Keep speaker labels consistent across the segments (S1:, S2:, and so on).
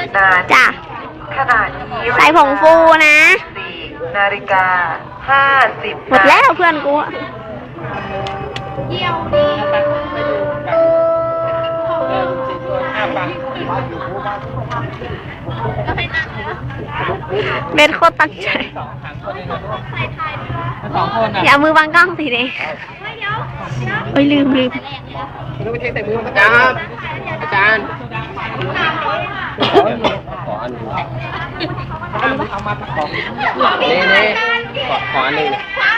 S1: จ้ะ
S2: ขณะนี้
S1: ใส่ผงฟูนะ
S2: 4:50
S1: หมดแล้วเพื่อนกูเบนโคตรตั้งใจอย่ามือบังกล้องสิเด็กเอ้ยลืม
S3: อาจารย์อาจารย์ขออันนึงนี่ขออันนึง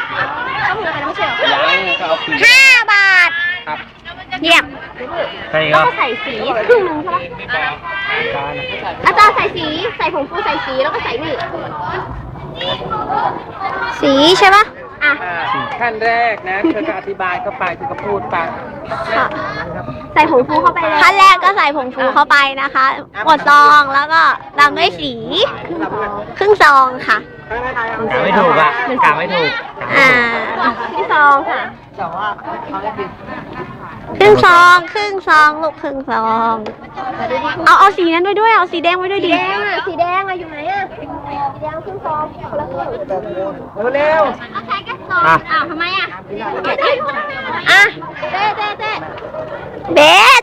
S3: ยังก็เอาคืน
S1: 5 บาท
S3: ครับ
S1: เยี่ยม
S3: ใช่ค
S1: แล้ว
S3: รับ
S1: ก็ใส่สีครึ่งนึงใช่ปะอาจารย์ใส่สีใส่ผงฟูใส่สีแล้วก็ใส่นี่สีใช่ปะอ่ะ
S3: ขั้นแรกนะเธอก็อธิบายเข้าไปเธอก็พูดไป
S1: ใส่ผงฟูเข้าไปเลยขั้นแรกก็ใส่ผงฟูเข้าไปนะคะหมดซองแล้วก็ตามด้วยสีครึ่งซองค่ะ
S3: กาไม่ถูกอ่ะกาไม่ถูก
S1: ครึ่งซองค่ะครึ่งซองลูกครึ่งซองเอาสีนั้นไว้ด้วยเอาสีแดงไว้ด้วยดิสีแดงอะอยู่ไหนอะสีแดงครึ่งซองคนละครึ่ง
S3: เร็ว
S1: เอาใส่แค่ซองอ้าวทำไมอะอ่ะเต้เบส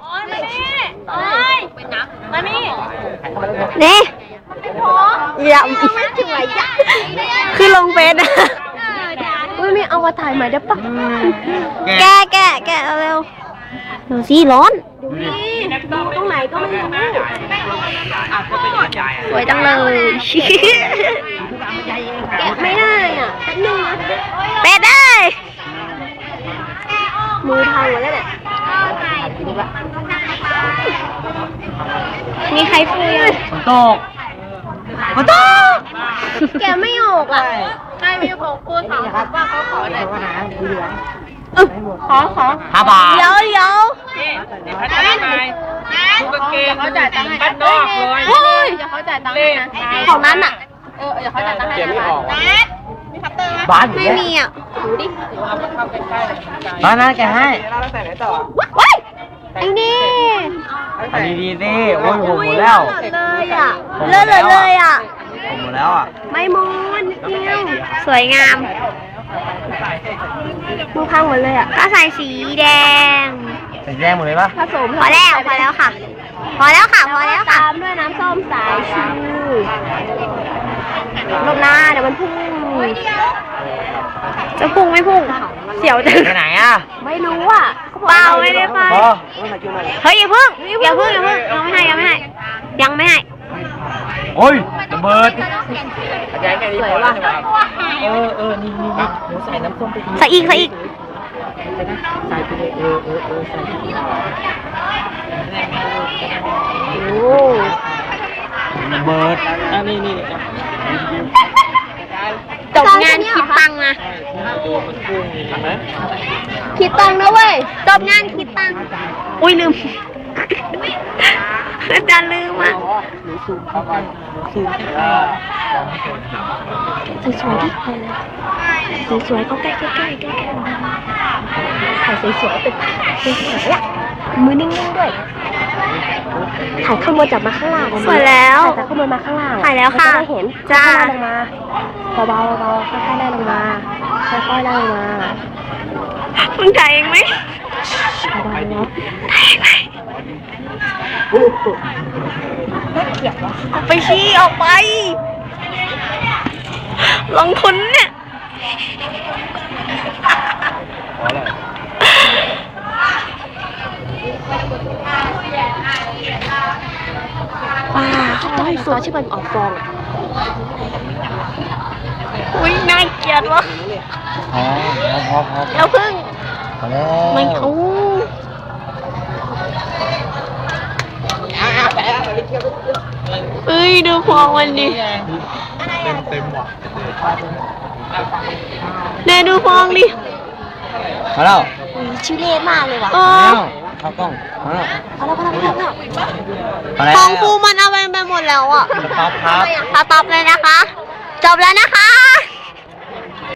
S1: มานี่นี่อย่าไม่ถึงไหนยะคือลงเฟซนะไม่เอามาถ่ายใหม่ได้ปะแกเร็วดูสิร้อนดูตรงไหนก็ไม่รู้สวยจังเลยแกะไม่ได้อ่ะแป๊บนึงนะเป็ดได้มือพังหมดแล้วเนี่ยมีใครฟูยังมันตกแกไม่ออกอ่ะใครมีผมฟูถามว่าเขาขอไหนขอ
S3: 5 บาท
S1: เดี๋ยว
S3: พัฒนาใหม่ทุกกางเกงเขาจ่ายตังค์ให้บ้านนอกเลย
S1: เดี๋ยวเขาจ่ายตังค์ให้นะของนั้นอ่ะเดี๋ยวเขาจ่ายตังค์ให้นะมีคัตเตอร์ไหมบ้านไม่มีอ่ะดูดิ
S3: บ้านนั้นแกให้
S1: ว้ายไอ้นี่
S3: อันนี้ดีสิโอ้ยผมหมดแล้ว
S1: เลยอ่ะเลิศเลยอ่ะ
S3: ผมหมดแล้วอ่ะ
S1: ไม่มอนสวยงามมือพังหมดเลยอ่ะก็ใส่สีแดง
S3: หมดเลยปะ
S1: ผสมพอแล้วค่ะตามด้วยน้ำส้มสายชูลงหน้าเดี๋ยวมันพุ่งจะพุ่งไม่พุ่งเสียวจัง
S3: ไปไหนอ่ะ
S1: ไม่รู้อ่ะเปล่าไม่ได้ไปเฮ้ยอย่าเพิ่งยังไม่ให้
S3: โอ้ยระเบิดอาจารย์แค่นี้พอแล้วนี่ใส่น้ำส้มไป
S1: ใส่อีก
S3: ใส่ไปเลยใส่
S1: โอ้
S3: ระเบิดนี่
S1: จบงานคิดตังค์นะคิดตังค์นะเว้ยจบงานคิดตังค์อุ้ยลืมอาจารย์ลืมอ่ะสวยๆที่สวยๆก็ใกล้ถ่ายสวยๆเป็นอ่ะมือนิ่งๆด้วยถ่ายข้างบนจับมาข้างล่างสวยแล้วถ่ายข้างบนมาข้างล่างถ่ายแล้วค่ะไม่เห็นจ้าลงมาเบาๆค่อยๆไล่ลงมามึงถ่ายเองไหมถ่ายเองไหมน่าเกลียดวะออกไปชี้ออกไปลงทุนเนี่ยว้าเขาให้ซอสที่มันออกฟองอุ้ยน่าเกลียดวะ
S3: พอ
S1: เดี๋ยวพึ่งไม่เอาเอ้ยดูฟองมันดิ
S3: เต็มว่ะ
S1: เน่ดูฟองดิ
S3: มาแล้ว
S1: ชิเล่มากเลยว่ะ
S3: เข้ากล้องมาแล้ว
S1: ฟองฟูมันเอาไปหมดแล้วอ่ะ
S3: ครับ
S1: ตับเลยนะคะจบแล้วนะคะ